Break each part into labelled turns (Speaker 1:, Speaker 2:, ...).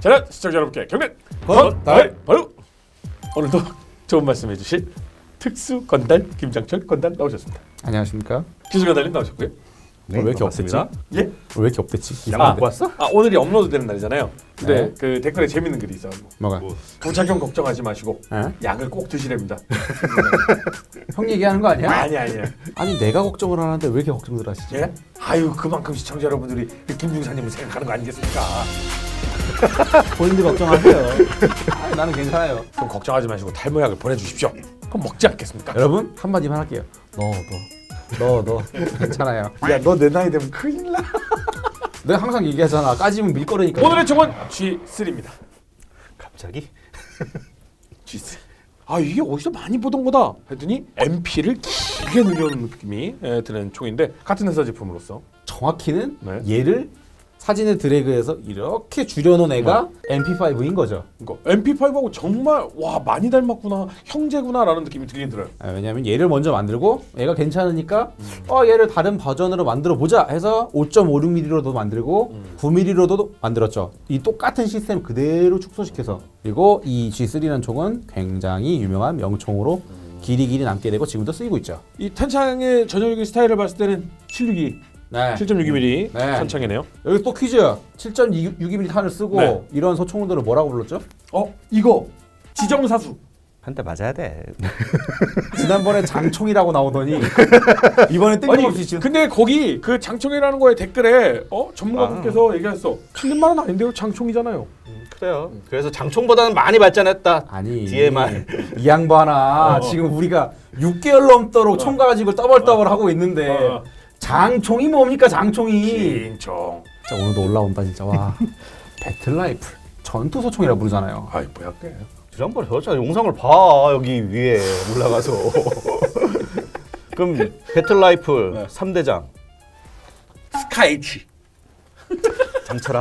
Speaker 1: 자, 시청자 여러분께 경례 바로 오늘도 좋은 말씀해 주실 특수 건달 김장철 건달 나오셨습니다.
Speaker 2: 안녕하십니까?
Speaker 1: 기술 건달님 나오셨고요.
Speaker 2: 왜 이렇게 없댔지?
Speaker 1: 예?
Speaker 2: 왜 이렇게 없댔지?
Speaker 1: 양 갖고 왔어? 오늘이 업로드되는 날이잖아요. 근데
Speaker 2: 네.
Speaker 1: 그 댓글에 재밌는 글이 있어요.
Speaker 2: 뭐가?
Speaker 1: 부작용 걱정하지 마시고
Speaker 2: 에?
Speaker 1: 약을 꼭 드시랍니다.
Speaker 2: 형 얘기하는 거 아니야?
Speaker 1: 아니야.
Speaker 2: 아니 내가 걱정을 하는데 왜 이렇게 걱정들 하시지?
Speaker 1: 예? 아유 그만큼 시청자 여러분들이 김중사님을 생각하는 거 아니겠습니까?
Speaker 2: 본인들 걱정하세요. 아니, 나는 괜찮아요.
Speaker 1: 좀 걱정하지 마시고 탈모약을 보내주십시오. 그럼 먹지 않겠습니까?
Speaker 2: 여러분 한마디만 할게요. 너 괜찮아요.
Speaker 1: 야 너 내 나이 되면 큰일 나.
Speaker 2: 내가 항상 얘기하잖아. 까지면 밀거리니까.
Speaker 1: 오늘의 총은 G3입니다.
Speaker 3: 갑자기?
Speaker 1: G3. 아 이게 어디서 많이 보던 거다 했더니 MP를 길게 늘려놓은 느낌이 드는 총인데 같은 회사 제품으로서
Speaker 2: 정확히는
Speaker 1: 네.
Speaker 2: 얘를 사진을 드래그해서 이렇게 줄여놓은 애가 MP5인 거죠.
Speaker 1: 그러니까 MP5하고 정말 와 많이 닮았구나 형제구나라는 느낌이 들긴 들어요.
Speaker 2: 왜냐면 얘를 먼저 만들고 얘가 괜찮으니까 얘를 다른 버전으로 만들어 보자 해서 5.56mm로도 만들고 9mm로도 만들었죠. 이 똑같은 시스템 그대로 축소시켜서. 그리고 이 G3라는 총은 굉장히 유명한 명총으로 길이 남게 되고 지금도 쓰이고 있죠.
Speaker 1: 이 탄창의 전형적인 스타일을 봤을 때는 762,
Speaker 2: 네.
Speaker 1: 7.62mm
Speaker 2: 네.
Speaker 1: 탄창이네요.
Speaker 2: 여기 또 퀴즈. 7.62mm 탄을 쓰고
Speaker 1: 네.
Speaker 2: 이런 소총들을 뭐라고 불렀죠?
Speaker 1: 이거 지정사수.
Speaker 3: 한 대 맞아야 돼.
Speaker 2: 지난번에 장총이라고 나오더니 이번에 뜬금없이 지금
Speaker 1: 근데 거기 그 장총이라는 거에 댓글에 전문가분께서 얘기했어. 틀린 말은 아닌데요. 장총이잖아요.
Speaker 3: 그래요. 그래서 장총보다는 많이 발전했다.
Speaker 2: 아니
Speaker 3: DMR.
Speaker 2: 이 양반아 지금 우리가 6개월 넘도록 총 가지고 떠벌떠벌 하고 있는데 장총이 뭡니까 장총이.
Speaker 1: 진총.
Speaker 2: 진짜 오늘도 올라온다 진짜. 와 배틀라이플 전투소총이라 부르잖아요.
Speaker 1: 아이 뭐야 그게.
Speaker 3: 지난번에 저자 영상을 봐 여기 위에 올라가서. 그럼 배틀라이플 3대장
Speaker 1: 스카이치.
Speaker 3: 장철아.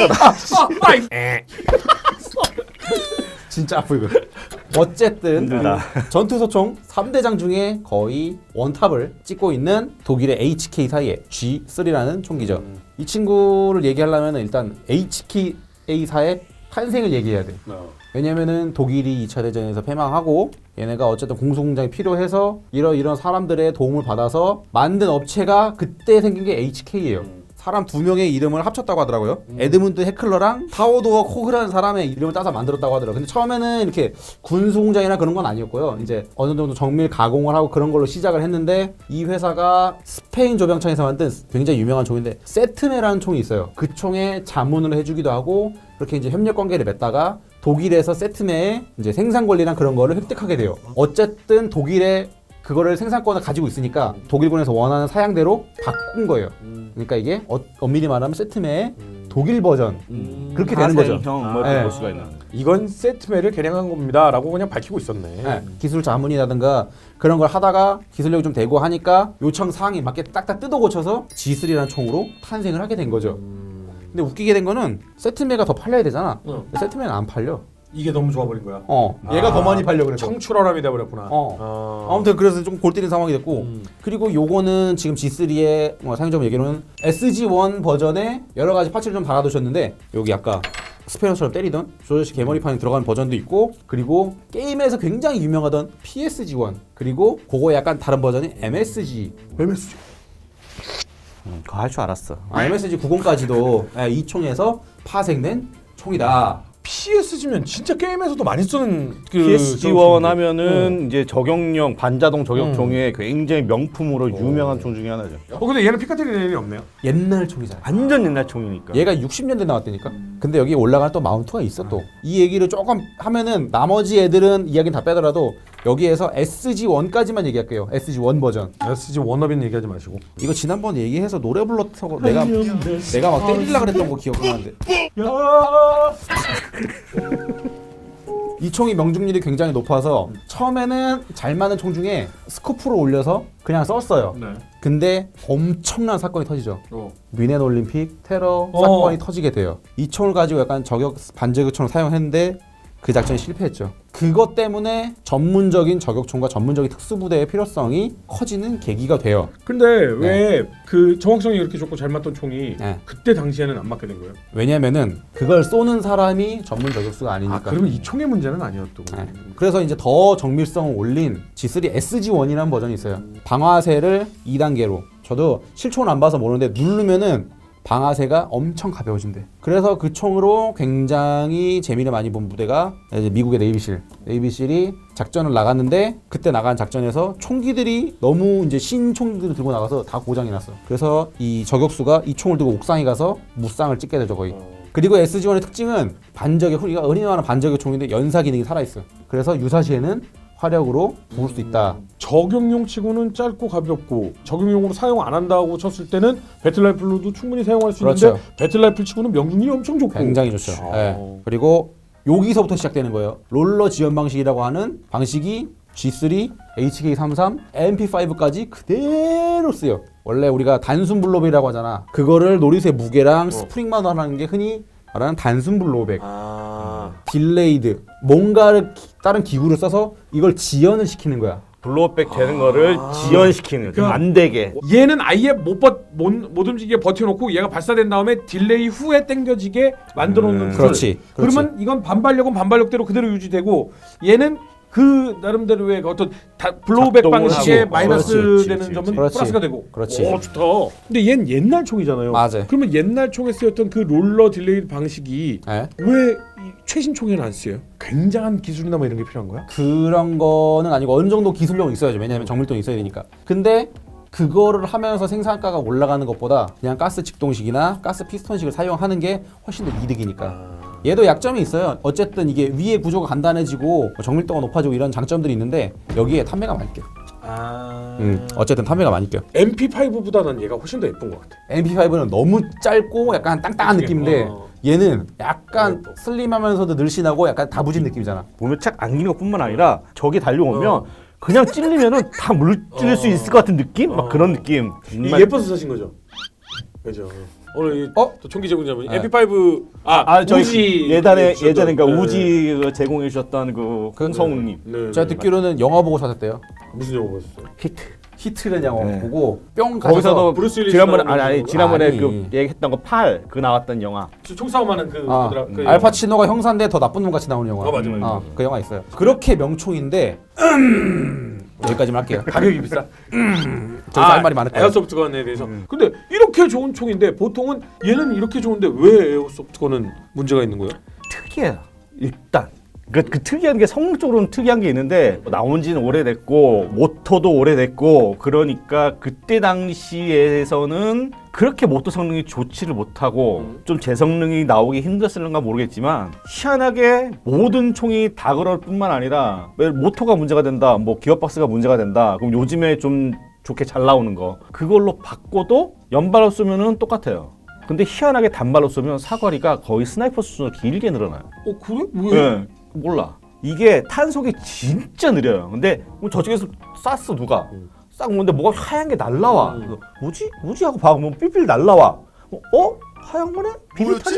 Speaker 2: 진짜 아프고. 어쨌든
Speaker 3: 힘들다.
Speaker 2: 전투소총 3대장 중에 거의 원탑을 찍고 있는 독일의 HK사의 G3라는 총기죠. 이 친구를 얘기하려면 일단 HK사의 탄생을 얘기해야 돼. 왜냐면은 독일이 2차 대전에서 패망하고 얘네가 어쨌든 공수공장이 필요해서 이런 사람들의 도움을 받아서 만든 업체가 그때 생긴 게 HK예요. 사람 2명의 이름을 합쳤다고 하더라고요. 에드문드 헤클러랑 타오도어 코흐라는 사람의 이름을 따서 만들었다고 하더라고요. 근데 처음에는 이렇게 군수공장이나 그런 건 아니었고요. 이제 어느 정도 정밀 가공을 하고 그런 걸로 시작을 했는데 이 회사가 스페인 조병창에서 만든 굉장히 유명한 총인데 세트메라는 총이 있어요. 그 총에 자문을 해주기도 하고 그렇게 이제 협력 관계를 맺다가 독일에서 세트메의 이제 생산 권리랑 그런 거를 획득하게 돼요. 어쨌든 독일의 그거를 생산권을 가지고 있으니까 독일군에서 원하는 사양대로 바꾼 거예요. 그러니까 이게 엄밀히 말하면 세트메의 독일 버전 그렇게 되는 거죠.
Speaker 3: 네.
Speaker 2: 볼
Speaker 3: 수가 있나.
Speaker 1: 이건 세트메를 개량한 겁니다라고 그냥 밝히고 있었네.
Speaker 2: 네, 기술 자문이라든가 그런 걸 하다가 기술력이 좀 되고 하니까 요청 사항에 맞게 딱딱 뜯어 고쳐서 G3라는 총으로 탄생을 하게 된 거죠. 근데 웃기게 된 거는 세트메가 더 팔려야 되잖아. 근데 세트메는 안 팔려.
Speaker 1: 이게 너무 좋아버린 거야.
Speaker 2: 얘가 더 많이 팔려 그래서.
Speaker 1: 청출어람이 돼버렸구나.
Speaker 2: 아무튼 그래서 좀 골 때리는 상황이 됐고 그리고 요거는 지금 G3의 사용자분 얘기로는 SG1 버전에 여러 가지 파츠를 좀 달아두셨는데 여기 아까 스페어처럼 때리던 조저씨 개머리판이 들어가는 버전도 있고 그리고 게임에서 굉장히 유명하던 PSG1 그리고 그거의 약간 다른 버전이 MSG
Speaker 3: 그거 할 줄 알았어.
Speaker 2: MSG 90까지도 이 총에서 파생된 총이다.
Speaker 1: PSG면 진짜 게임에서도 많이 쓰는 그
Speaker 3: PSG1 하면은 이제 저격용 반자동 저격총의 굉장히 명품으로 유명한 총 중에 하나죠.
Speaker 1: 근데 얘는 피카츄리 레일이 없네요.
Speaker 2: 옛날 총이잖아.
Speaker 3: 완전 옛날 총이니까.
Speaker 2: 얘가 60년대 나왔다니까. 근데 여기 올라가는 또 마운트가 있어 또. 이 얘기를 조금 하면은 나머지 애들은 이야기는 다 빼더라도 여기에서 SG1까지만 얘기할게요. SG1 버전.
Speaker 1: SG 워너비는 얘기하지 마시고.
Speaker 2: 이거 지난번 얘기해서 노래 불렀다고 내가 막 때리려 그랬던 거 기억나는데. 이 총이 명중률이 굉장히 높아서 처음에는 잘 맞는 총 중에 스코프로 올려서 그냥 썼어요.
Speaker 1: 네.
Speaker 2: 근데 엄청난 사건이 터지죠. 뮌헨 올림픽 테러 사건이 터지게 돼요. 이 총을 가지고 약간 저격 반저격총을 사용했는데 그 작전이 실패했죠. 그것 때문에 전문적인 저격총과 전문적인 특수부대의 필요성이 커지는 계기가 돼요.
Speaker 1: 근데 왜 그 정확성이 그렇게 좋고 잘 맞던 총이
Speaker 2: 네.
Speaker 1: 그때 당시에는 안 맞게 된 거예요?
Speaker 2: 왜냐면은 그걸 쏘는 사람이 전문 저격수가 아니니까.
Speaker 1: 아, 그러면 이 총의 문제는 아니었던
Speaker 2: 네.
Speaker 1: 거예요.
Speaker 2: 그래서 이제 더 정밀성을 올린 G3 SG1이라는 버전이 있어요. 방아쇠를 2단계로. 저도 실총을 안 봐서 모르는데 누르면은 방아쇠가 엄청 가벼워진대. 그래서 그 총으로 굉장히 재미를 많이 본 부대가 이제 미국의 네이비실이 작전을 나갔는데 그때 나간 작전에서 총기들이 너무 이제 신총기들을 들고 나가서 다 고장이 났어. 그래서 이 저격수가 이 총을 들고 옥상에 가서 무쌍을 찍게 되죠 거의. 그리고 SG1의 특징은 반저격, 우리가 흔히 말하는 반저격 총인데 연사 기능이 살아있어. 그래서 유사시에는 화력으로 부을 수 있다.
Speaker 1: 적용용 치고는 짧고 가볍고 적용용으로 사용 안 한다고 쳤을 때는 배틀라이플로도 충분히 사용할 수
Speaker 2: 그렇죠.
Speaker 1: 있는데 배틀라이플 치고는 명중률이 엄청 좋고
Speaker 2: 굉장히 좋죠.
Speaker 1: 아.
Speaker 2: 네. 그리고 여기서부터 시작되는 거예요. 롤러 지원 방식이라고 하는 방식이 G3, HK33, MP5까지 그대로 쓰여. 원래 우리가 단순 블로백이라고 하잖아. 그거를 노릿의 무게랑 스프링만 하는 게 흔히 말하는 단순 블로백. 딜레이드, 뭔가를 다른 기구를 써서 이걸 지연을 시키는 거야.
Speaker 3: 블로우백 되는 거를 지연시키는
Speaker 1: 그러니까
Speaker 3: 안 되게.
Speaker 1: 얘는 아예 못 움직이게 버텨놓고 얘가 발사된 다음에 딜레이 후에 당겨지게 만들어놓는 툴.
Speaker 2: 그렇지.
Speaker 1: 그러면 이건 반발력은 반발력대로 그대로 유지되고 얘는 그 나름대로의 어떤 블로우백
Speaker 3: 작동을
Speaker 1: 방식의
Speaker 3: 하고.
Speaker 1: 마이너스
Speaker 3: 그렇지,
Speaker 1: 되는
Speaker 3: 그렇지,
Speaker 1: 점은
Speaker 2: 그렇지.
Speaker 1: 플러스가 되고.
Speaker 2: 그렇지.
Speaker 1: 오, 좋다. 근데 얘는 옛날 총이잖아요.
Speaker 2: 맞아요.
Speaker 1: 그러면 옛날 총에 쓰였던 그 롤러 딜레이 방식이
Speaker 2: 네.
Speaker 1: 왜 이 최신 총에는 안 쓰여요? 굉장한 기술이나 뭐 이런 게 필요한 거야?
Speaker 2: 그런 거는 아니고 어느 정도 기술력은 있어야죠. 왜냐하면 정밀도는 있어야 되니까. 근데 그거를 하면서 생산가가 올라가는 것보다 그냥 가스 직동식이나 가스 피스톤식을 사용하는 게 훨씬 더 이득이니까. 얘도 약점이 있어요. 어쨌든 이게 위에 구조가 간단해지고 정밀도가 높아지고 이런 장점들이 있는데 여기에 탐매가 많이 껴요. 어쨌든 탐매가 많이 껴요.
Speaker 1: MP5보다는 얘가 훨씬 더 예쁜 것 같아.
Speaker 2: MP5는 너무 짧고 약간 땅땅한
Speaker 1: 그치?
Speaker 2: 느낌인데 얘는 약간
Speaker 1: 어.
Speaker 2: 슬림하면서도 늘씬하고 약간 다부진 느낌이잖아.
Speaker 3: 보면 착 안기는 것뿐만 아니라 적이 달려오면 그냥 찔리면은 다 물찔릴 수 있을 것 같은 느낌? 막 그런 느낌.
Speaker 1: 이 예뻐서 사신 거죠? 그죠. 오늘 또 총기 제공자분이
Speaker 2: 네.
Speaker 1: MP5
Speaker 3: 저희
Speaker 1: 우지
Speaker 3: 예전에
Speaker 1: 주셨던,
Speaker 3: 그러니까
Speaker 1: 네.
Speaker 3: 우지 제공해 주셨던 그 홍성우님.
Speaker 1: 네,
Speaker 2: 제가
Speaker 1: 네.
Speaker 2: 듣기로는 영화 보고 사셨대요.
Speaker 1: 무슨 영화 보셨어요?
Speaker 3: 히트.
Speaker 2: 히트는 영화
Speaker 3: 네.
Speaker 2: 보고 뿅 가셔서
Speaker 3: 거기서도
Speaker 1: 브루스 윌리스
Speaker 3: 지난번에
Speaker 1: 나오는
Speaker 3: 지난번에
Speaker 2: 아니.
Speaker 3: 그 얘기했던 거 8 그 나왔던 영화.
Speaker 1: 총싸움하는 그 뭐더라? 그 영화.
Speaker 2: 알파치노가 형사인데 더 나쁜 놈 같이 나오는 영화.
Speaker 1: 맞아.
Speaker 2: 그 영화 있어요. 그렇게 명총인데 여기까지만 할게요.
Speaker 1: 가격이 비싸.
Speaker 2: 저기서 할 말이 많을 거예요.
Speaker 1: 에어소프트건에 대해서. 근데 이렇게 좋은 총인데 보통은 얘는 이렇게 좋은데 왜 에어소프트건은 문제가 있는 거예요?
Speaker 3: 특이해요. 일단 그 특이한 게 성능적으로는 특이한 게 있는데 나온 지는 오래됐고 모터도 오래됐고 그러니까 그때 당시에서는 그렇게 모터 성능이 좋지를 못하고 좀 제성능이 나오기 힘들었을런가 모르겠지만 희한하게 모든 총이 다 그럴 뿐만 아니라 왜 모터가 문제가 된다, 뭐 기어박스가 문제가 된다, 그럼 요즘에 좀 좋게 잘 나오는 거 그걸로 바꿔도 연발로 쏘면은 똑같아요. 근데 희한하게 단발로 쏘면 사거리가 거의 스나이퍼 수준으로 길게 늘어나요.
Speaker 1: 그래? 왜?
Speaker 3: 네, 몰라. 이게 탄속이 진짜 느려요. 근데 저쪽에서 쐈어 누가. 싹 오는데 뭐가 하얀 게 날라와. 그래서 뭐지 하고 봐보면 삐삐 날라와. 하얀 거네? 비비탄이네?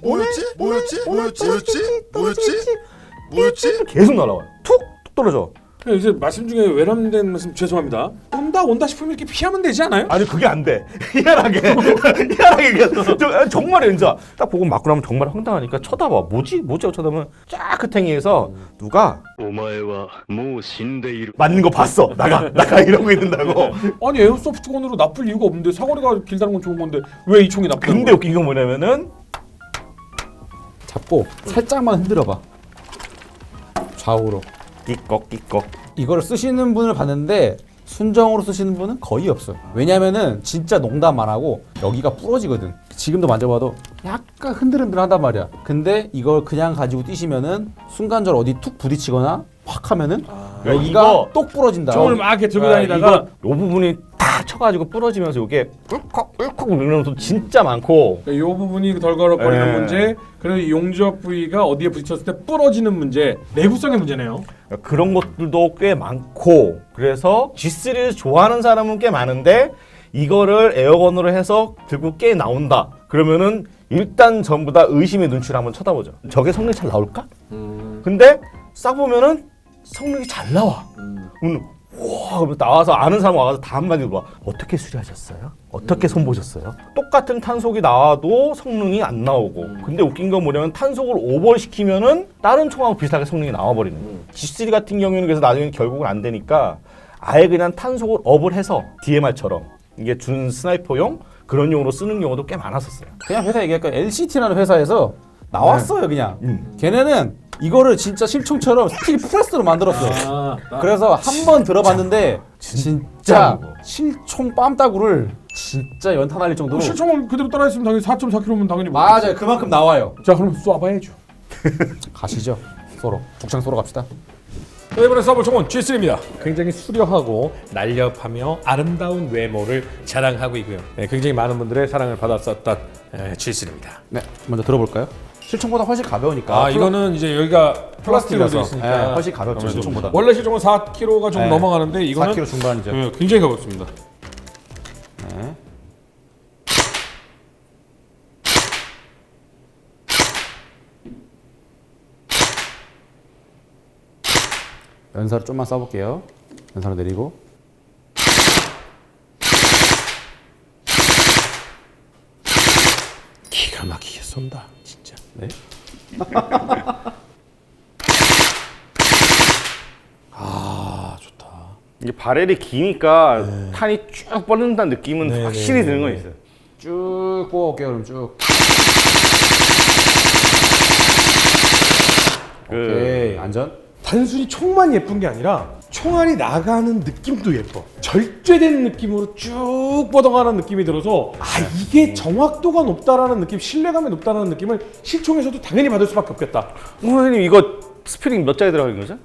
Speaker 3: 뭐였지? 계속 날라와요. 툭 떨어져.
Speaker 1: 이제 말씀 중에 외람된 말씀 죄송합니다. 온다 싶으면 이렇게 피하면 되지 않아요?
Speaker 3: 아니 그게 안 돼. 희한하게 정말 진짜 딱 보고 맞고 나면 정말 황당하니까 쳐다봐. 뭐지 하고 쳐다보면 쫙 끝탱이에서 누가 맞는 거 봤어. 나가 이러고 있는다고.
Speaker 1: 아니 에어소프트건으로 나쁠 이유가 없는데 사거리가 길다는 건 좋은 건데 왜 이 총이 나쁘다는
Speaker 3: 근데
Speaker 1: 거야?
Speaker 3: 웃긴 건 뭐냐면은
Speaker 2: 잡고 살짝만 흔들어봐. 좌우로.
Speaker 3: 끼꺽.
Speaker 2: 이거를 쓰시는 분을 봤는데 순정으로 쓰시는 분은 거의 없어요. 왜냐면은 진짜 농담 안 하고 여기가 부러지거든. 지금도 만져봐도 약간 흔들흔들하단 말이야. 근데 이걸 그냥 가지고 뛰시면은 순간적으로 어디 툭 부딪히거나 확 하면은 여기가
Speaker 3: 이거
Speaker 2: 똑 부러진다.
Speaker 1: 총을 막 이렇게 들고 다니다가
Speaker 3: 요 부분이 다 쳐가지고 부러지면서 이게 꿀컥 이러면서 진짜 많고
Speaker 1: 이 부분이 덜 걸어버리는
Speaker 3: 예.
Speaker 1: 문제, 그리고 이 용접 부위가 어디에 부딪혔을 때 부러지는 문제, 내구성의 문제네요.
Speaker 3: 그런 것들도 꽤 많고 그래서 G3를 좋아하는 사람은 꽤 많은데 이거를 에어건으로 해서 들고 꽤 나온다. 그러면은 일단 전부 다 의심의 눈치를 한번 쳐다보죠. 저게 성능이 잘 나올까? 근데 쏴보면은 성능이 잘 나와. 와, 그러면 나와서 아는 사람 와서 다 한마디로 봐. 어떻게 수리하셨어요? 어떻게 손보셨어요? 똑같은 탄속이 나와도 성능이 안 나오고. 근데 웃긴 건 뭐냐면 탄속을 오버시키면은 다른 총하고 비슷하게 성능이 나와버리는 거예요. G3 같은 경우에는 그래서 나중에 결국은 안 되니까 아예 그냥 탄속을 업을 해서 DMR처럼 이게 준 스나이퍼용 그런 용으로 쓰는 경우도 꽤 많았었어요.
Speaker 2: 그냥 회사 얘기할까? LCT라는 회사에서 나왔어요 그냥. 걔네는 이거를 진짜 실총처럼 스틸 프레스로 만들었어. 그래서 한 번 들어봤는데 진짜 실총 빰따구를 진짜 연타 날릴 정도로.
Speaker 1: 실총을 그대로 따라했으면 당연히 4.4km면 당연히 못
Speaker 2: 맞아요. 그만큼 나와요.
Speaker 1: 자 그럼 쏴봐야죠.
Speaker 2: 가시죠. 서로 죽창 쏘러 갑시다.
Speaker 1: 자, 이번에 쏴볼 총은 G3입니다. 굉장히 수려하고 날렵하며 아름다운 외모를 자랑하고 있고요. 네, 굉장히 많은 분들의 사랑을 받았었던 G3입니다.
Speaker 2: 네, 먼저 들어볼까요? 실총보다 훨씬 가벼우니까.
Speaker 1: 이거는 이제 여기가 플라스틱으로 되어
Speaker 2: 플라스틱이라서
Speaker 1: 있으니까
Speaker 2: 훨씬 가볍죠 실총보다.
Speaker 1: 원래 실총은 4kg가 좀
Speaker 2: 네.
Speaker 1: 넘어가는데 이거는
Speaker 2: 4kg 중반이죠.
Speaker 1: 굉장히 가볍습니다.
Speaker 2: 네. 연사를 좀만 쏴볼게요. 연사를 내리고.
Speaker 1: 기가 막히게 쏜다 진짜.
Speaker 2: 네.
Speaker 1: 좋다.
Speaker 3: 이게 바렐이 기니까 탄이 쭉 뻗는다는 느낌은 확실히 드는 건 있어요.
Speaker 2: 쭉 뽑아올게요. 그럼 쭉. 오케이 안전.
Speaker 1: 단순히 총만 예쁜 게 아니라 총알이 나가는 느낌도 예뻐. 절제된 느낌으로 쭉 뻗어가는 느낌이 들어서 이게 정확도가 높다라는 느낌, 신뢰감이 높다라는 느낌을 실총에서도 당연히 받을 수밖에 없겠다.
Speaker 3: 선생님 이거 스프링 몇 자리 들어간 거죠?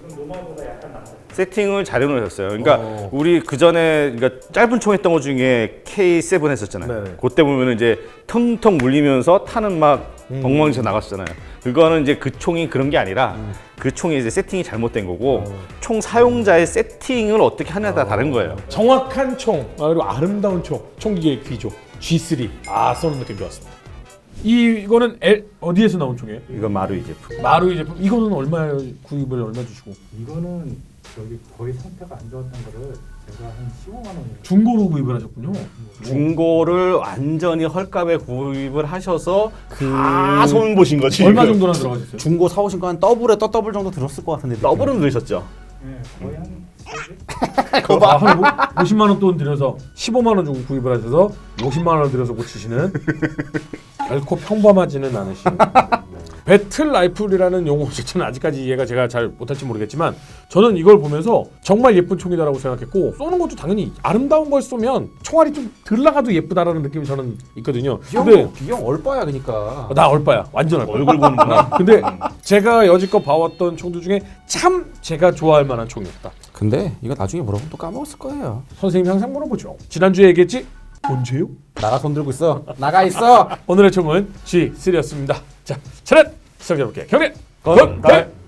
Speaker 3: 세팅을 잘 해놓으셨어요. 그러니까 우리 그 전에 그러니까 짧은 총 했던 것 중에 K7 했었잖아요.
Speaker 1: 네네.
Speaker 3: 그때 보면은 이제 텅텅 물리면서 타는 막 엉망진창 나갔었잖아요. 그거는 이제 그 총이 그런 게 아니라 그 총이 이제 세팅이 잘못된 거고 총 사용자의 세팅을 어떻게 하냐에 따라 다른 거예요.
Speaker 1: 정확한 총, 그리고 아름다운 총, 총기의 귀조 G3. 쏘는 느낌 좋았습니다. 이거는 어디에서 나온 총이에요?
Speaker 3: 이건 마루이 제품.
Speaker 1: 마루이 제품. 이거는 얼마에 구입을 얼마 주시고?
Speaker 4: 이거는 저기 거의 상태가 안 좋았던 거를 제가 한 15만 원에
Speaker 1: 중고로 구입을 하셨군요.
Speaker 3: 중고를 완전히 헐값에 구입을 하셔서 다 손 보신 거지.
Speaker 1: 얼마 정도나 들어가셨어요?
Speaker 2: 중고 사오신 거 한 더블에 더블 정도 들었을 것 같은데.
Speaker 3: 더블은 넣으셨죠?
Speaker 4: 네, 거의 한
Speaker 1: 한 50만 원 돈 들여서 15만 원 주고 구입을 하셔서 50만 원 들여서 고치시는 결코 평범하지는 않으신 배틀 라이플이라는 용어 자체는 아직까지 이해가 제가 잘 못할지 모르겠지만 저는 이걸 보면서 정말 예쁜 총이다라고 생각했고 쏘는 것도 당연히 아름다운 걸 쏘면 총알이 좀 덜 나가도 예쁘다라는 느낌이 저는 있거든요. 근데
Speaker 2: 비형 얼빠야 그러니까.
Speaker 1: 나 얼빠야. 완전 얼빠.
Speaker 3: 얼굴 보는구나.
Speaker 1: 근데 제가 여지껏 봐왔던 총들 중에 참 제가 좋아할 만한 총이었다.
Speaker 2: 근데 이거 나중에 물어보면 또 까먹었을 거예요.
Speaker 1: 선생님이 항상 물어보죠. 지난주에 얘기했지? 언제요?
Speaker 2: 나가 손 들고 있어. 나가 있어.
Speaker 1: 오늘의 총은 G3였습니다. 자, 차렷! 시청자 여러분께 경례!
Speaker 3: 건달!